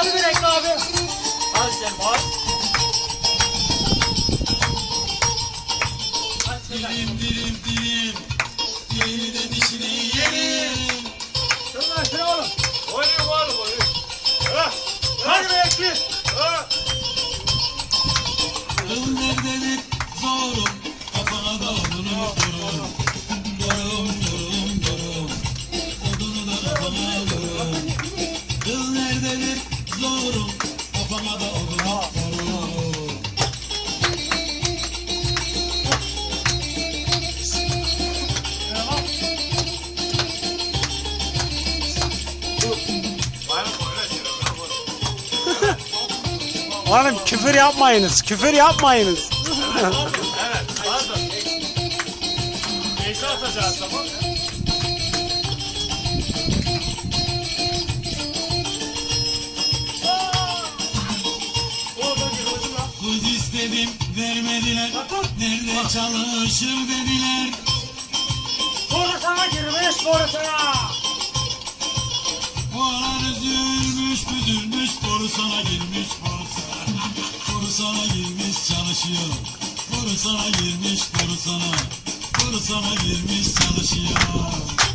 Hadi bir reklam abi. Hadi sen bak. Dilim dilim dilim, dilini de dişini yerim. Şunlar şuna oğlum. Oynayın oğlum oynayın. Hadi be ekli. Kıl nerededir zorum, kafana da odunu vururum. Yorum yorum yorum, odunu da kafana vururum. Kıl nerededir zorum, kafana da odunu vururum. Oğlum küfür yapmayınız, küfür yapmayınız. Evet pardon. Neyse atacağız tamam. Kız istedim vermediler, nerede çalışır dediler. Sonra sana girmiş, sonra sana. Oğlan üzülmüş büzülmüş, boru sana girmiş, boru sana. Boru sana girmiş çalışıyor. Boru sana girmiş, boru sana. Boru sana girmiş çalışıyor.